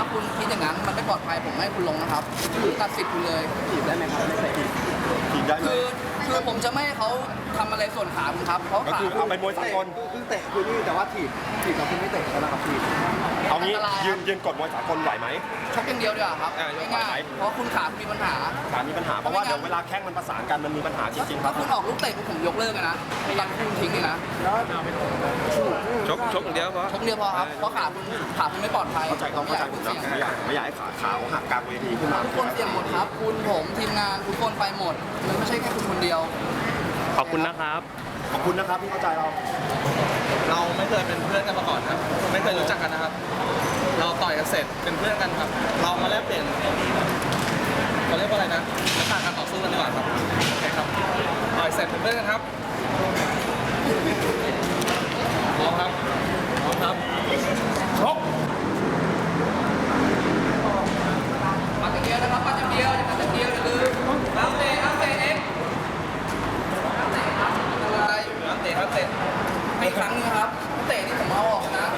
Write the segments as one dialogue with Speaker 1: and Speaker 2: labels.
Speaker 1: คุณคิดอย่างนั้นมันไม่ปลอดภัยผมไม่ให้คุณลงนะครับคือตัดสิทธิ์คุณเลย
Speaker 2: ถีบได้ไหมครับไม่ใส่ถีบ
Speaker 3: ถีบได้ไหม
Speaker 1: คือผมจะไม่ให้เขาทำอะไรส่วนขาผมครับเพราะ
Speaker 3: ก็
Speaker 1: ขา
Speaker 3: คือเอาเป็นมวยสากล
Speaker 2: คือเตะคือนี่แต่ว่าถีบกับคุณไม่เตะแล้วนะครับถีบ
Speaker 3: เอางี้ยืนกดมวยสากลไหวไหม
Speaker 1: ชกอย่างเดียวดีกว่าครับ
Speaker 3: ยกไหว
Speaker 1: ง่า
Speaker 3: ไหม
Speaker 1: ยๆเพราะคุณขามีปัญหา
Speaker 3: ขามีปัญหาเพราะว่าเดี๋ยวเวลาแข้งมันประสานกันมันมีปัญหาจริงๆค
Speaker 1: ถ้า
Speaker 3: รับ
Speaker 1: คุณออกลูกเตะผมยกเลิกเลยนะตัดคุณทิ้งเลยนะ
Speaker 2: แล้ว
Speaker 4: ชกอย่างเดียวพอ
Speaker 1: ชกเดียวพอครับเพราะขาคุณไม่ปลอดภัย
Speaker 3: เข้าใจผมนะไม่อยากให้ขาหักกลางเวทีขึ้นมา
Speaker 1: ทุกคนเสี่ยงหมดครับคุณผมทีมงานทุกคนไปหมดมันไม่ใช่แค่คุณคนเดียว
Speaker 4: ขอบคุณนะครับ
Speaker 3: ขอบคุณนะครับที่เข้าใจเรา
Speaker 5: เราไม่เคยเป็นเพื่อนกันมาก่อนครับ ไม่เคยรู้จักกันนะครับ เราต่อยกันเสร็จเป็นเพื่อนกันครับ เรามาแลกเปลี่ยนเขาเรียกว่าอะไรนะลักษณะการต่อสู้กันดีกว่าครับโอเคครับต่อยเสร็จเป็นเพื่อนกันครับพร้อมครับพร้อมครับชก
Speaker 1: ปัดอย่างเดียวนะครับปัดอย่างเดียวอย่าปัดอย่างเดียวอย่าลืมน้ำเตะเองอะไร
Speaker 5: ครับเตะครับเตะ
Speaker 1: ให้อีกครั้งนึงนะครับเตะที่ผมเอาออกนะ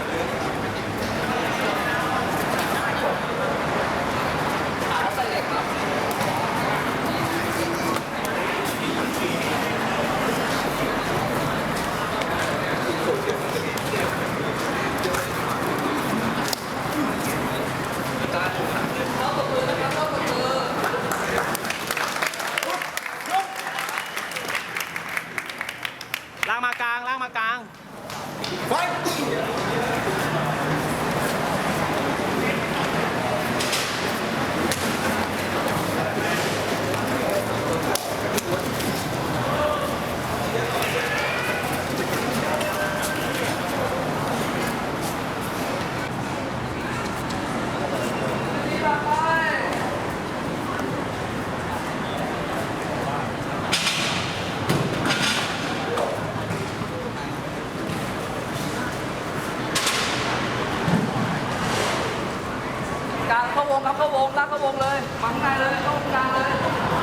Speaker 1: ขาใส่เหล็กครับ
Speaker 4: ล่างมากลางล่างมากลาง
Speaker 1: กลางเข้าวงครับเข้าวงลากเข้าวงเลยมาข้างในเลยเข้ากลางเลย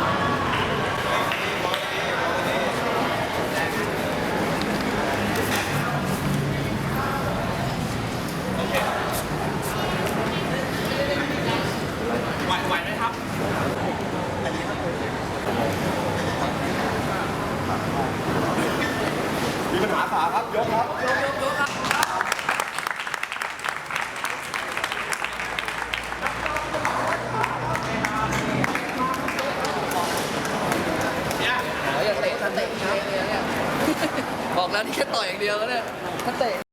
Speaker 5: ไหวไหมครับ
Speaker 3: มีปัญหาขาครับยกครับ
Speaker 1: ยกครับ อย่าเตะถ้าเตะเนี่ยบอกแล้วนี่แค่ต่อยอย่างเดียวเนี่ยถ้าเตะ